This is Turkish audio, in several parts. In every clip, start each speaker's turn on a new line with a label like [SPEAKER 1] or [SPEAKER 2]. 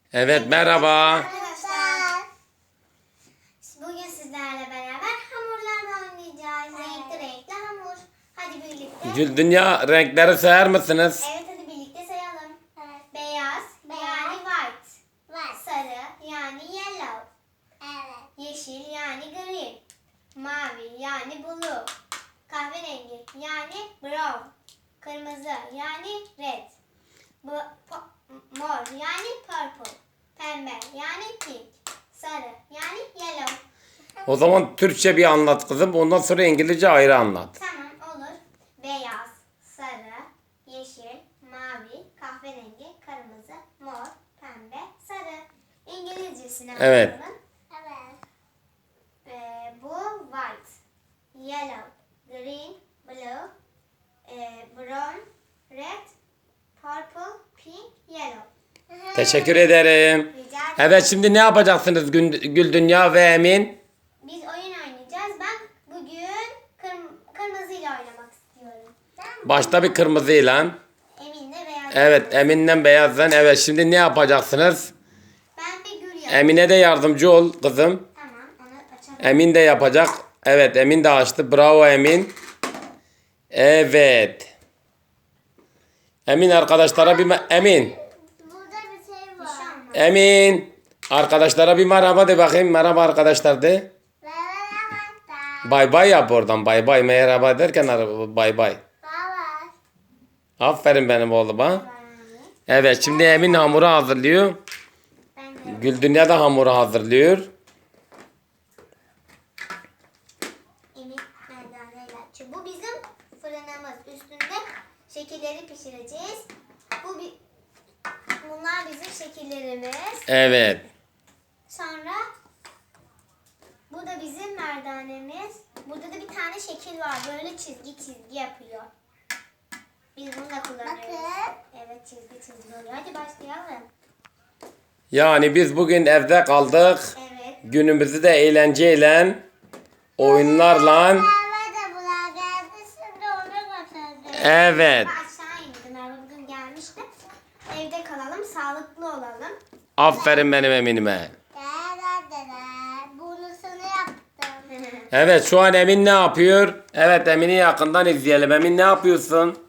[SPEAKER 1] Evet, merhaba.
[SPEAKER 2] Arkadaşlar, bugün sizlerle beraber hamurlarla oynayacağız. Renkli renkli hamur. Hadi birlikte.
[SPEAKER 1] Güldunya, renkleri sayar mısınız?
[SPEAKER 2] Evet, hadi birlikte sayalım. Beyaz, yani white. Sarı yani yellow. Yeşil yani green. Mavi yani blue. Kahverengi yani brown. Kırmızı yani red. Mor yani purple. Pembe yani pink. Sarı yani yellow.
[SPEAKER 1] O zaman Türkçe bir anlat kızım. Ondan sonra İngilizce ayrı anlat.
[SPEAKER 2] Tamam, olur. Beyaz, sarı, yeşil, mavi, kahverengi, kırmızı, mor, pembe, sarı. İngilizcesine
[SPEAKER 1] Evet.
[SPEAKER 2] bakalım. Bu white, yellow, green, blue, brown, red, purple, pink, yellow.
[SPEAKER 1] Teşekkür ederim.
[SPEAKER 2] Rica ederim.
[SPEAKER 1] Evet, şimdi ne yapacaksınız Güldunya ve Emin?
[SPEAKER 2] Biz oyun oynayacağız. Ben bugün kırmızıyla oynamak istiyorum.
[SPEAKER 1] Başta bir kırmızıyla.
[SPEAKER 2] Emin de beyaz.
[SPEAKER 1] Evet, Emin'den beyazdan. Evet, şimdi ne yapacaksınız?
[SPEAKER 2] Ben bir gül yapayım.
[SPEAKER 1] Emine de yardımcı ol kızım.
[SPEAKER 2] Tamam, onu açalım.
[SPEAKER 1] Emin de yapacak. Evet, Emin de açtı. Bravo Emin. Evet. Emin arkadaşlara Emin.
[SPEAKER 2] Burada bir şey var.
[SPEAKER 1] Emin. Arkadaşlara bir merhaba de bakayım. Merhaba arkadaşlar de. Bay bay yap oradan. Bay bay. Merhaba derken bay bay. Aferin benim oğluma. Evet, şimdi Emin hamuru hazırlıyor.
[SPEAKER 2] Ben de.
[SPEAKER 1] Güldunya da hamuru hazırlıyor.
[SPEAKER 2] Emin merdaneyle açıyor. Bu bizim fırınımız. Üstünde şekilleri pişireceğiz. Bunlar bizim şekillerimiz.
[SPEAKER 1] Evet.
[SPEAKER 2] Sonra bu da bizim merdanemiz. Burada da bir tane şekil var. Böyle çizgi çizgi yapıyor. Biz bunu da kullanıyoruz. Evet, çizgi çizgi oluyor. Hadi başlayalım.
[SPEAKER 1] Yani biz bugün evde kaldık.
[SPEAKER 2] Evet.
[SPEAKER 1] Günümüzü de eğlenceyle, oyunlarla. Evet.
[SPEAKER 2] Aşağı indim. Merve bugün gelmişti. Evde kalalım, sağlıklı olalım.
[SPEAKER 1] Aferin benim Emin'ime.
[SPEAKER 2] Bunu sana yaptım.
[SPEAKER 1] Evet, şu an Emin ne yapıyor? Evet, Emin'i yakından izleyelim. Emin ne yapıyorsun?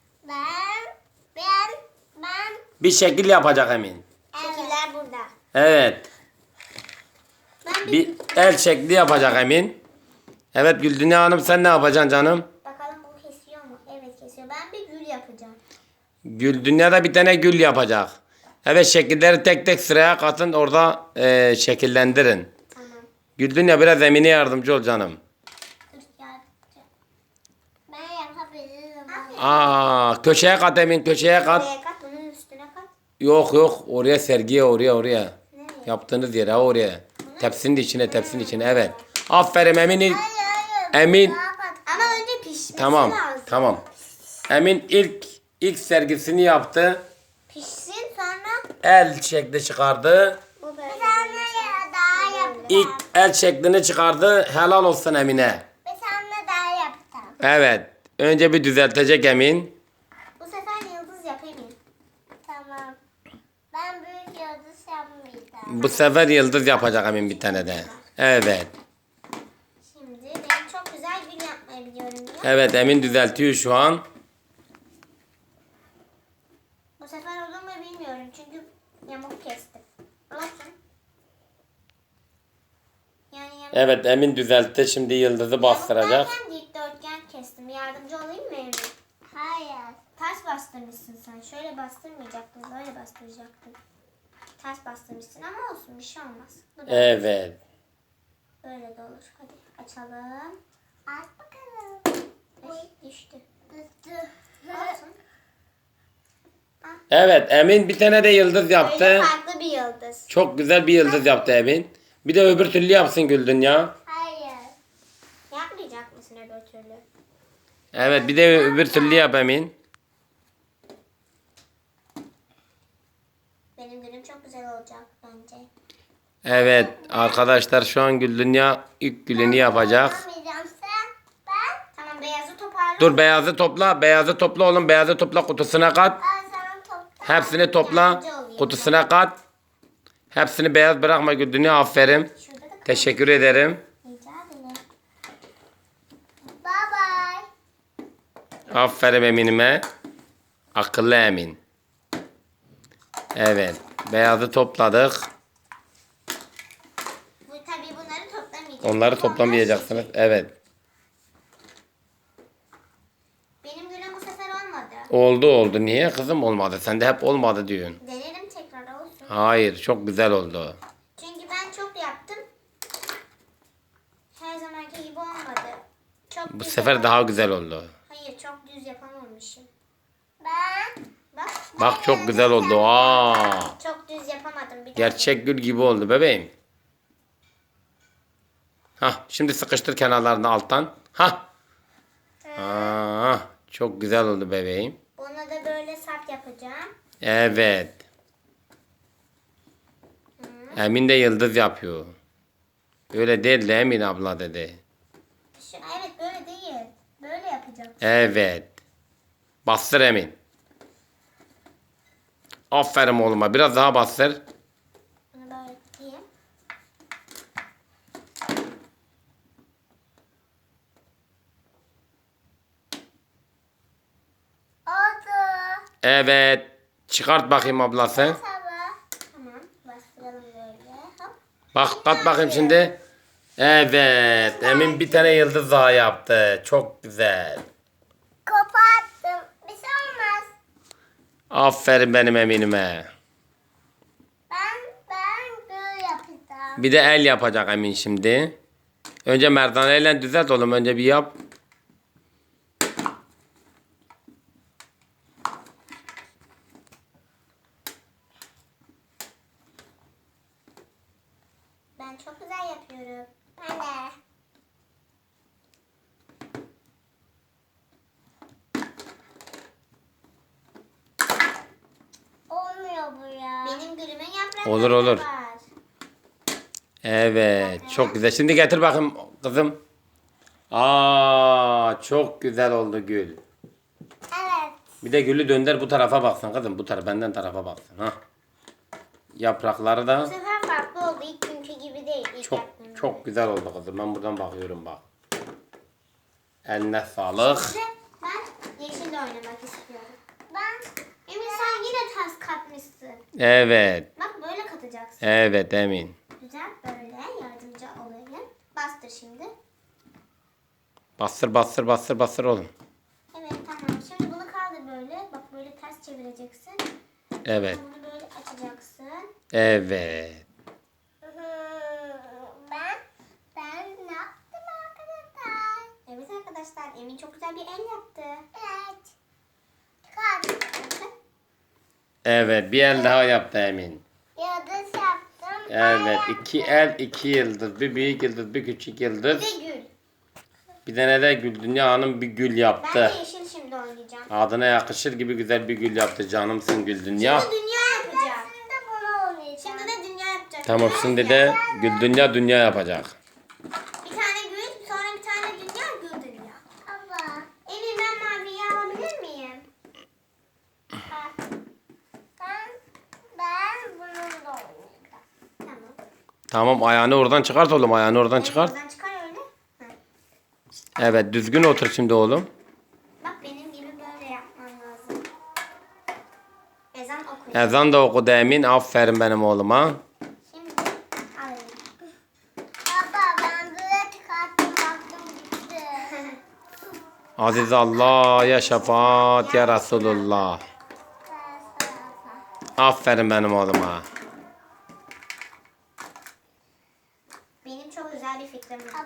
[SPEAKER 2] Ben.
[SPEAKER 1] Bir şekil yapacak Emin.
[SPEAKER 2] Şekiller burada.
[SPEAKER 1] Evet.
[SPEAKER 2] Ben
[SPEAKER 1] Bir el şekli yapacak Emin. Evet, Güldunya Hanım sen ne yapacaksın canım?
[SPEAKER 2] bakalım bu kesiyor mu? Evet, kesiyor. Ben bir gül yapacağım.
[SPEAKER 1] Güldunya da bir tane gül yapacak. Evet, şekilleri tek tek sıraya katın, orada şekillendirin.
[SPEAKER 2] Tamam.
[SPEAKER 1] Güldunya biraz Emin'e yardımcı ol canım.
[SPEAKER 2] Dur, yapacağım. Ben yapabilirim.
[SPEAKER 1] Köşeye kat Emin, köşeye kat.
[SPEAKER 2] Buraya kat, bunun üstüne kat.
[SPEAKER 1] Yok, oraya sergiye, oraya.
[SPEAKER 2] Nereye?
[SPEAKER 1] Yaptığınız yere, oraya. Tepsinin içine, evet. Aferin Emin. Emin.
[SPEAKER 2] Ama önce pişmesi
[SPEAKER 1] Tamam,
[SPEAKER 2] lazım.
[SPEAKER 1] tamam. Emin ilk sergisini yaptı.
[SPEAKER 2] Pişsin, sonra
[SPEAKER 1] El şekli çıkardı.
[SPEAKER 2] bu böyle. Bir tane daha yapacağım.
[SPEAKER 1] İlk el şeklini çıkardı. Helal olsun Emine.
[SPEAKER 2] Bir tane daha yapacağım.
[SPEAKER 1] Evet. Önce bir düzeltecek Emin.
[SPEAKER 2] Bu sefer yıldız yapayım. Tamam. Ben büyük yıldız yapmayacağım.
[SPEAKER 1] Bu sefer yıldız yapacak Emin bir tane de. Evet.
[SPEAKER 2] Şimdi ben çok güzel gül yapmayı biliyorum diye.
[SPEAKER 1] Evet, Emin düzeltiyor şu an.
[SPEAKER 2] Bu sefer olur mu bilmiyorum çünkü yamuk kestim. Olsun. Yani yamuk.
[SPEAKER 1] Evet, Emin düzeltti. Şimdi yıldızı bastıracak.
[SPEAKER 2] Yamuk derken dikdörtgen kestim. Yardımcı olayım mı Emin? Hayır. Ters bastırmışsın sen. Şöyle bastırmayacaktın. Böyle bastıracaktın. Ters bastırmışsın ama olsun, bir şey olmaz. Bu da
[SPEAKER 1] Evet.
[SPEAKER 2] böyle de olur. Hadi açalım. Aç bakalım. Düştü. Olsun.
[SPEAKER 1] Evet, Emin bir tane de yıldız yaptı.
[SPEAKER 2] Böyle farklı bir yıldız.
[SPEAKER 1] Çok güzel bir yıldız yaptı Emin. Bir de öbür türlü yapsın Güldunya.
[SPEAKER 2] Hayır. Yapmayacak mısın öbür türlü?
[SPEAKER 1] Evet, bir de öbür türlü yap Emin.
[SPEAKER 2] Benim günüm çok güzel olacak bence.
[SPEAKER 1] Evet arkadaşlar, şu an Güldunya ilk gülünü yapacak.
[SPEAKER 2] Yapmayacağım sen. Ben. Tamam, beyazı toparla.
[SPEAKER 1] Dur, beyazı topla. Beyazı topla oğlum. Beyazı topla, kutusuna kat.
[SPEAKER 2] Ben sana topla.
[SPEAKER 1] Hepsini topla.
[SPEAKER 2] Yardımcı olayım.
[SPEAKER 1] Kutusuna kat. Hepsini beyaz bırakma Güldünya, aferin.
[SPEAKER 2] Şurada da
[SPEAKER 1] Teşekkür ederim.
[SPEAKER 2] rica ederim. Bye bye.
[SPEAKER 1] Aferin Emin'ime. Akıllı Emin. Evet. Beyazı topladık.
[SPEAKER 2] Bu tabii bunları toplamayacağız.
[SPEAKER 1] Onları toplamayacaksınız. Evet.
[SPEAKER 2] Benim gülüm bu sefer olmadı.
[SPEAKER 1] Oldu. Niye kızım olmadı? Sen de hep olmadı diyorsun.
[SPEAKER 2] Denerim tekrar olsun.
[SPEAKER 1] Hayır. Çok güzel oldu.
[SPEAKER 2] Çünkü ben çok yaptım. Her zamanki gibi olmadı. Çok
[SPEAKER 1] Bu
[SPEAKER 2] düz
[SPEAKER 1] sefer daha güzel oldu.
[SPEAKER 2] Hayır, çok düz yapamamışım. Bak.
[SPEAKER 1] Bak çok güzel oldu. Aa.
[SPEAKER 2] Çok düz yapamadım. Bir daha.
[SPEAKER 1] Gerçek gül gibi oldu bebeğim. Hah, şimdi sıkıştır kenarlarını alttan. Hah. Aa, çok güzel oldu bebeğim.
[SPEAKER 2] Ona da böyle sap yapacağım.
[SPEAKER 1] Evet. Emin de yıldız yapıyor. Öyle değil de Emin abla dedi.
[SPEAKER 2] Evet, böyle değil. Böyle yapacağım.
[SPEAKER 1] Evet. Bastır Emin. Aferin oğluma. Biraz daha bastır.
[SPEAKER 2] Bunu böyle tutayım. Oldu.
[SPEAKER 1] Evet. Çıkart bakayım ablası.
[SPEAKER 2] Tamam. Bastıralım böyle. Hop.
[SPEAKER 1] Bak kat bakayım şimdi. Evet. Emin bir tane yıldız daha yaptı. Çok güzel.
[SPEAKER 2] Koparttım. Bir şey olmaz.
[SPEAKER 1] Aferin benim Emin'ime.
[SPEAKER 2] Ben böyle yapacağım.
[SPEAKER 1] Bir de el yapacak Emin şimdi. Önce merdaneyle düzelt oğlum. Önce bir yap.
[SPEAKER 2] Ben çok güzel yapıyorum. Ben de. Olmuyor bu ya. Benim gülümün yaprakları
[SPEAKER 1] Olur.
[SPEAKER 2] var.
[SPEAKER 1] Evet. Çok güzel. Şimdi getir bakayım kızım. Aa, çok güzel oldu gül.
[SPEAKER 2] Evet.
[SPEAKER 1] Bir de gülü dönder bu tarafa baksın kızım. Bu taraf benden tarafa baksın. Ha. Yaprakları
[SPEAKER 2] Bu
[SPEAKER 1] da
[SPEAKER 2] sefer farklı oldu. İlk günkü gibi değil. İlk
[SPEAKER 1] çok
[SPEAKER 2] yaptığım gibi.
[SPEAKER 1] çok güzel oldu kızım. Ben buradan bakıyorum bak. Eline sağlık.
[SPEAKER 2] Şimdi ben yeşille oynamak istiyorum. Emin sen yine ters katmışsın.
[SPEAKER 1] Evet.
[SPEAKER 2] Bak böyle katacaksın.
[SPEAKER 1] Evet Emin.
[SPEAKER 2] Güzel, böyle yardımcı olayım. Bastır şimdi.
[SPEAKER 1] Bastır oğlum.
[SPEAKER 2] Evet, tamam. Şimdi bunu kaldır böyle. Bak böyle ters çevireceksin.
[SPEAKER 1] Evet.
[SPEAKER 2] Bunu böyle açacaksın.
[SPEAKER 1] Evet.
[SPEAKER 2] Ben ne yaptım arkadaşlar? Evet arkadaşlar, Emin çok güzel bir el yaptı. Evet. Çıkar.
[SPEAKER 1] Evet. Bir el daha yaptı Emin.
[SPEAKER 2] Yıldız yaptım.
[SPEAKER 1] Evet. 2 el 2 yıldız. Bir büyük yıldız bir küçük yıldız.
[SPEAKER 2] Bir gül.
[SPEAKER 1] Bir tane de Gül Dünya Hanım bir gül
[SPEAKER 2] Ben
[SPEAKER 1] yaptı.
[SPEAKER 2] de yeşil şimdi oynayacağım.
[SPEAKER 1] Adına yakışır gibi güzel bir gül yaptı. Canımsın Gül Dünya.
[SPEAKER 2] Şimdi dünya yapacağım. Şimdi bunu oynayacağım. Şimdi de dünya yapacağım.
[SPEAKER 1] Tamam şimdi de Gül Dünya yapacak.
[SPEAKER 2] Bir tane gül, sonra bir tane dünya, gül dünya. Allah. Emin, ben maviyi alabilir miyim? Ben bununla oynayacağım. Tamam.
[SPEAKER 1] Tamam ayağını oradan çıkart oğlum. Ayağını oradan çıkart.
[SPEAKER 2] Oradan çıkar öyle. Hı.
[SPEAKER 1] Evet düzgün otur şimdi oğlum.
[SPEAKER 2] Bak benim gibi böyle yapman lazım. Ezan okuyor.
[SPEAKER 1] Ezan da okudu Emin. Aferin benim oğluma.
[SPEAKER 2] Şimdi alayım. Baba ben böyle çıkarttım baktım gitti.
[SPEAKER 1] Aziz Allah ya şefaat ya Resulullah. Aferin benim oğluma.
[SPEAKER 2] Benim çok güzel bir fikrim var.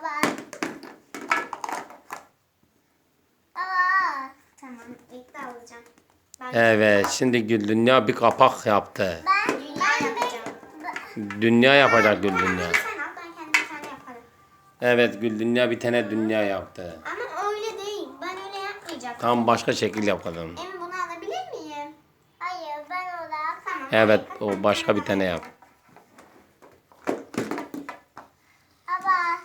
[SPEAKER 2] Tamam, ilk de alacağım.
[SPEAKER 1] Evet şimdi Gül Dünya bir kapak yaptı.
[SPEAKER 2] Ben dünya yapacağım.
[SPEAKER 1] Dünya yapacak Gül Dünya.
[SPEAKER 2] Sen al, ben kendim bir tane yaparım.
[SPEAKER 1] Evet Gül Dünya bir tane dünya yaptı.
[SPEAKER 2] Ama öyle değil. Ben öyle yapmayacaktım.
[SPEAKER 1] Tam başka şekil yapalım.
[SPEAKER 2] Emin, bunu alabilir miyim? Hayır, ben olarak. Tamam.
[SPEAKER 1] Evet o başka bir tane yap.
[SPEAKER 2] Baba.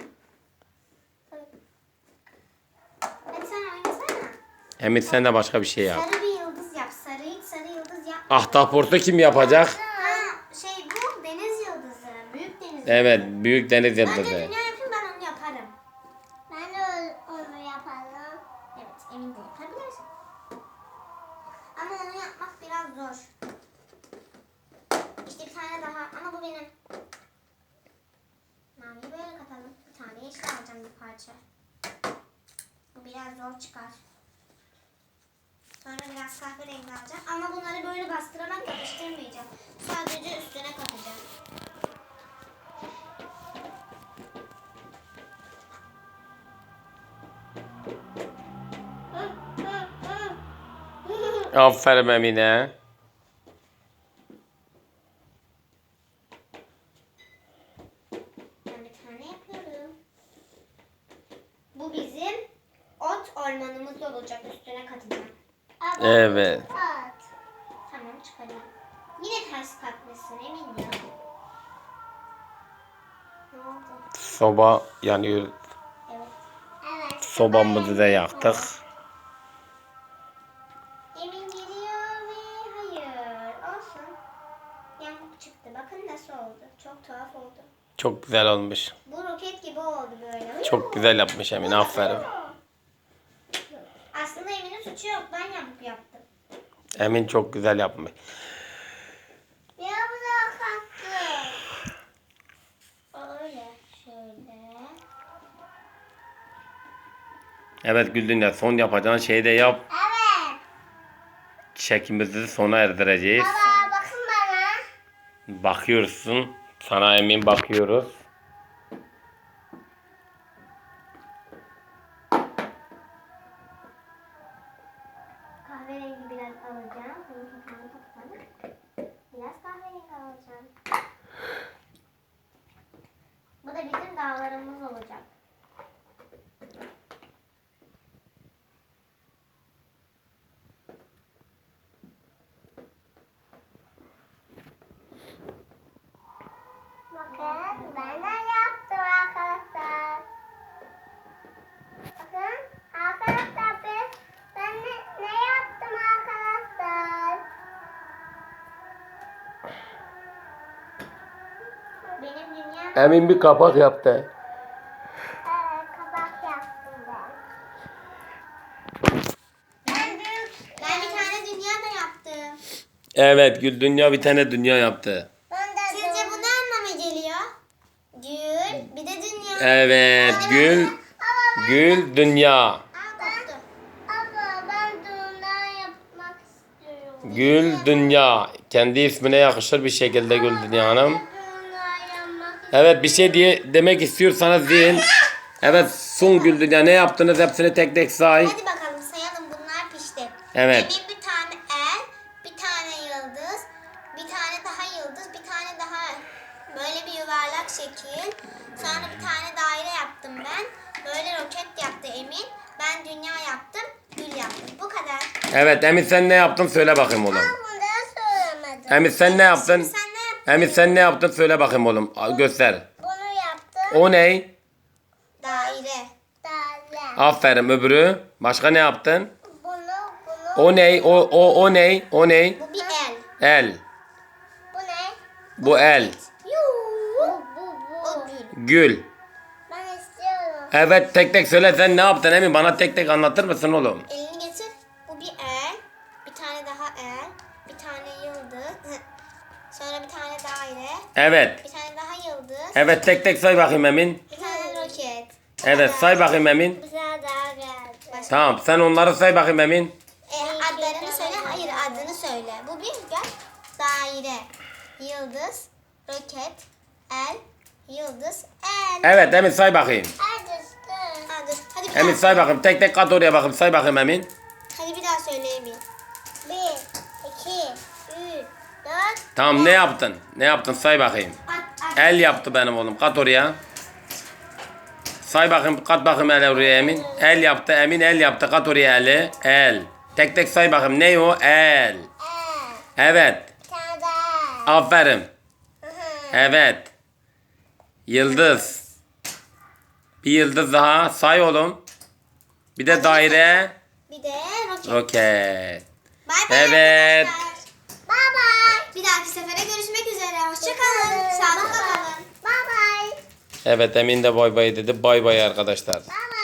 [SPEAKER 2] Hadi sen oynasana.
[SPEAKER 1] Emin sen de başka bir şey yap.
[SPEAKER 2] Sarı bir yıldız yap. Sarı yıldız yap.
[SPEAKER 1] Ahtapotu kim yapacak?
[SPEAKER 2] Ha, bu deniz
[SPEAKER 1] Evet, büyük deniz
[SPEAKER 2] Önce
[SPEAKER 1] yıldızı.
[SPEAKER 2] dünya yapayım, ben onu yaparım. Ben de onu yaparım. Evet, emin de yapabilirsin. Ama onu yapmak biraz zor. İşte bir tane daha ama bu benim. Maviyi böyle katalım. Bir tane yeşil alacağım bir parça. Bu biraz zor çıkar. Sonra biraz kahverengi alacağım. Ama bunları böyle bastırarak yapıştırmayacağım. Sadece üstüne katacağım.
[SPEAKER 1] Aferin Emine.
[SPEAKER 2] Ben bir tane yapıyorum. Bu bizim ot ormanımız olacak. Üstüne katacağım.
[SPEAKER 1] Evet.
[SPEAKER 2] Tamam, çıkarayım. Yine ters katmışsın emin ya. Ne oldu?
[SPEAKER 1] Soba yanıyor.
[SPEAKER 2] Evet. Evet.
[SPEAKER 1] Sobamızı da yaktık.
[SPEAKER 2] Emin geliyor ve hayır. Olsun. Yamuk çıktı. Bakın nasıl oldu. Çok tuhaf oldu.
[SPEAKER 1] Çok güzel olmuş.
[SPEAKER 2] Bu roket gibi oldu böyle.
[SPEAKER 1] Çok güzel yapmış Emine, aferin.
[SPEAKER 2] Aslında Emin'in suçu yok. Ben yamuk yaptım.
[SPEAKER 1] Emin çok güzel yapmış.
[SPEAKER 2] Ya bırak hakkı. Öyle. Şöyle.
[SPEAKER 1] Evet Güldünya, son yapacağın şeyi de yap.
[SPEAKER 2] Evet.
[SPEAKER 1] Çekimimizi sona erdireceğiz.
[SPEAKER 2] Baba bakın bana.
[SPEAKER 1] Bakıyorsun. Sana Emin bakıyoruz.
[SPEAKER 2] Kahverengi biraz alacağım. Bunun kapağını kapatalım. Biraz kahverengi alacağım. Bu da bizim dağlarımız olacak. Bakın ben de yaptım arkadaşlar. Bakın arkadaşlar ben ne yaptım arkadaşlar? Benim dünyam.
[SPEAKER 1] Emin bir kapak yaptı.
[SPEAKER 2] Evet, kabak yaptım ben. Ben bir tane dünya da yaptım.
[SPEAKER 1] Evet Güldünya bir tane dünya yaptı.
[SPEAKER 2] Sizce bu ne anlama geliyor? Gül, bir de dünya.
[SPEAKER 1] Evet Gül dünya.
[SPEAKER 2] Koptu. Abla ben dünya yapmak istiyorum.
[SPEAKER 1] Gül dünya. Kendi ismine yakışır bir şekilde Gül Dünya Hanım.
[SPEAKER 2] Dünya yapmak
[SPEAKER 1] Evet, bir şey demek istiyorsanız deyin. Evet, sun Gül Dünya, ne yaptınız hepsini tek tek say.
[SPEAKER 2] Hadi bakalım sayalım, bunlar pişti.
[SPEAKER 1] Evet.
[SPEAKER 2] Emin bir tane el, bir tane yıldız, bir tane daha yıldız, bir tane daha böyle bir yuvarlak şekil. Sonra bir tane daire yaptım ben. Böyle roket yaptı Emin. Ben dünya yaptım, gül yaptım. Bu kadar.
[SPEAKER 1] Evet Emin, sen ne yaptın söyle bakayım oğlum.
[SPEAKER 2] Bunu da söylemedim.
[SPEAKER 1] Emin sen ne yaptın?
[SPEAKER 2] Şimdi sen ne yaptın?
[SPEAKER 1] Emin sen ne yaptın söyle bakayım oğlum. Göster.
[SPEAKER 2] Bunu yaptım.
[SPEAKER 1] O ne?
[SPEAKER 2] Daire. Daire.
[SPEAKER 1] Aferin, öbürü. Başka ne yaptın?
[SPEAKER 2] Bunu.
[SPEAKER 1] O ne? O ne? O ne?
[SPEAKER 2] Bu bir el.
[SPEAKER 1] El.
[SPEAKER 2] Bu ne?
[SPEAKER 1] Bu el.
[SPEAKER 2] O gül.
[SPEAKER 1] Gül.
[SPEAKER 2] Ben istiyorum.
[SPEAKER 1] Evet, tek tek söyle, sen ne yaptın Emin? Bana tek tek anlatır mısın oğlum?
[SPEAKER 2] Elini getir. Bu bir el. Bir tane daha el. Bir tane yıldız. Sonra bir tane daire.
[SPEAKER 1] Evet.
[SPEAKER 2] Bir tane daha yıldız.
[SPEAKER 1] Evet, tek tek say bakayım Emin.
[SPEAKER 2] Bir tane roket.
[SPEAKER 1] Evet, say bakayım Emin.
[SPEAKER 2] Bir tane daha geldi.
[SPEAKER 1] Tamam, sen onları say bakayım Emin.
[SPEAKER 2] Adlarını söyle. Hayır, adını söyle. Bu bir gel. Daire. Yıldız. Roket. El. Yıldız. El.
[SPEAKER 1] Evet Emin, say bakayım.
[SPEAKER 2] Hadi bir
[SPEAKER 1] Emin
[SPEAKER 2] daha.
[SPEAKER 1] say bakayım, tek tek kat oraya bakayım, say bakayım Emin.
[SPEAKER 2] Hadi bir daha söyle Emin. 1, 2, 3, 4.
[SPEAKER 1] Tamam, ne yaptın? Ne yaptın, say bakayım. El yaptı benim oğlum, kat oraya. Say bakayım, kat bakayım el oraya Emin. El yaptı Emin, el yaptı, kat oraya eli. El. Tek tek say bakayım, ne o? El. Evet.
[SPEAKER 2] Bir tane daha.
[SPEAKER 1] Aferin. Evet. Yıldız. Bir yıldız daha say oğlum. Bir de daire.
[SPEAKER 2] Bir de roket.
[SPEAKER 1] Roket.
[SPEAKER 2] Bay bay
[SPEAKER 1] Evet.
[SPEAKER 2] arkadaşlar. Bay bay. Bir dahaki sefere görüşmek üzere. Hoşça kalın. Sağlıkla kalın. Bay bay.
[SPEAKER 1] Evet Emin de bay bay dedi. Bay bay arkadaşlar.
[SPEAKER 2] Bye